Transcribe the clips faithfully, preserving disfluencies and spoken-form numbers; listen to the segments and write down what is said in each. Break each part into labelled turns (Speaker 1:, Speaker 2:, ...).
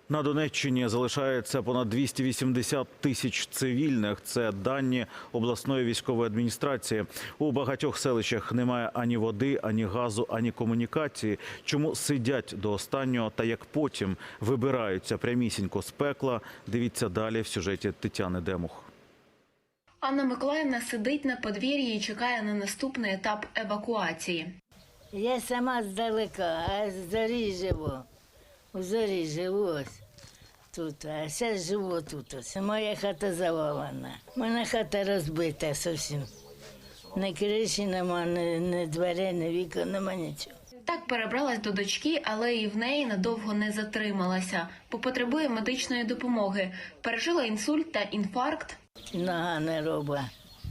Speaker 1: На Донеччині залишається понад двісті вісімдесят тисяч цивільних. Це дані обласної військової адміністрації. У багатьох селищах немає ані води, ані газу, ані комунікації. Чому сидять до останнього та як потім вибираються прямісінько з пекла? Дивіться далі в сюжеті Тетяни Демух.
Speaker 2: Анна Миколаївна сидить на подвір'ї і чекає на наступний етап евакуації.
Speaker 3: Я сама здалека, а з Зорі живу. У Зорі живу ось тут, а зараз живу тут. Ось. Моя хата завалена. Моя хата розбита зовсім. Ні криші нема, ні, ні дверей, ні вікон, нема нічого.
Speaker 2: Так перебралась до дочки, але і в неї надовго не затрималася, бо потребує медичної допомоги. Пережила інсульт та інфаркт.
Speaker 3: Нога не робить.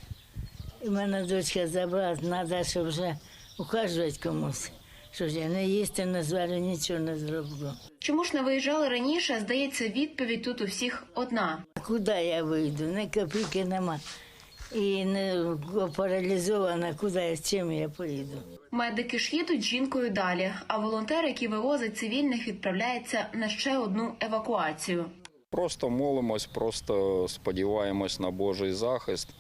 Speaker 3: І мене дочка забрала, треба, щоб вже ухажувати комусь. Що ж я не їсти, не зварю, нічого не зроблю.
Speaker 2: Чому ж не виїжджали раніше, здається, відповідь тут у всіх одна.
Speaker 3: Куди я вийду? Ні копійки нема. І не паралізована, куди, з чим я поїду.
Speaker 2: Медики ж їдуть з жінкою далі, а волонтер, який вивозить цивільних, відправляється на ще одну евакуацію.
Speaker 4: Просто молимось, просто сподіваємось на Божий захист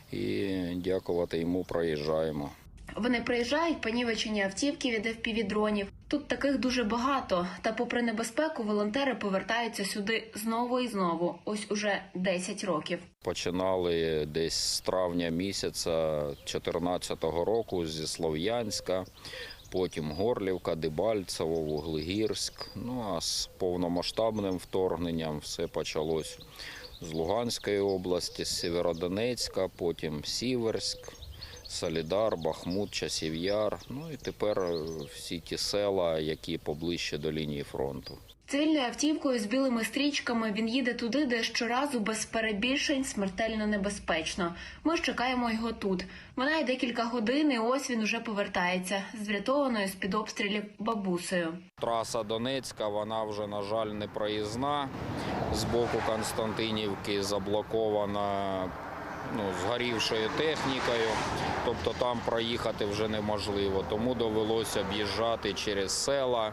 Speaker 4: і дякувати йому проїжджаємо.
Speaker 2: Вони приїжджають, понівечені автівки від еф пі ві-дронів. Тут таких дуже багато. Та попри небезпеку, волонтери повертаються сюди знову і знову. Ось уже десять років.
Speaker 4: Починали десь з травня місяця дві тисячі чотирнадцятого року зі Слов'янська, потім Горлівка, Дебальцево, Вуглегірськ. Ну а з повномасштабним вторгненням все почалось з Луганської області, з Сєвєродонецька, потім Сіверськ, Солідар, Бахмут, Часів Яр, ну і тепер всі ті села, які поближче до лінії фронту.
Speaker 2: Цивільною автівкою з білими стрічками він їде туди, де щоразу без перебільшень смертельно небезпечно. Ми ж чекаємо його тут. Минає декілька годин, і ось він уже повертається з врятованою з-під обстрілів бабусею.
Speaker 4: Траса Донецька, вона вже, на жаль, не проїзна. З боку Константинівки заблокована ну, згорівшою технікою, тобто там проїхати вже неможливо. Тому довелося об'їжджати через села,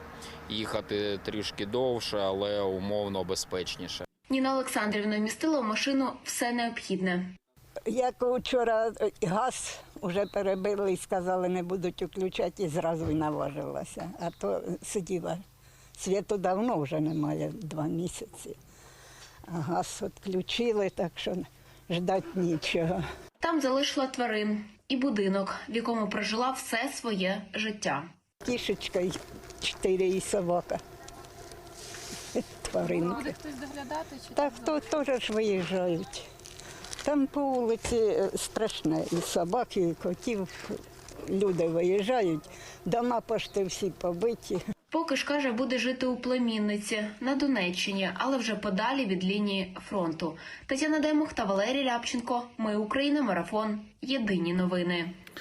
Speaker 4: їхати трішки довше, але умовно безпечніше.
Speaker 2: Ніна Олександрівна вмістила в машину все необхідне.
Speaker 5: Як вчора газ вже перебили і сказали, не будуть включати, і зразу й наважилася. А то сиділа. Світу давно вже немає, два місяці. А газ відключили, так що ждати нічого.
Speaker 2: Там залишила тварин і будинок, в якому прожила все своє життя.
Speaker 5: Кішечка, і чотири і собака. Тваринки.
Speaker 6: Буде хтось доглядати? Чи
Speaker 5: Так, то теж ж виїжджають. Там по вулиці страшне, і собак, і котів. Люди виїжджають, дома пошти всі побиті.
Speaker 2: Поки ж, каже, буде жити у племінниці на Донеччині, але вже подалі від лінії фронту. Тетяна Демух та Валерій Рябченко. Ми Україна. Марафон. Єдині новини.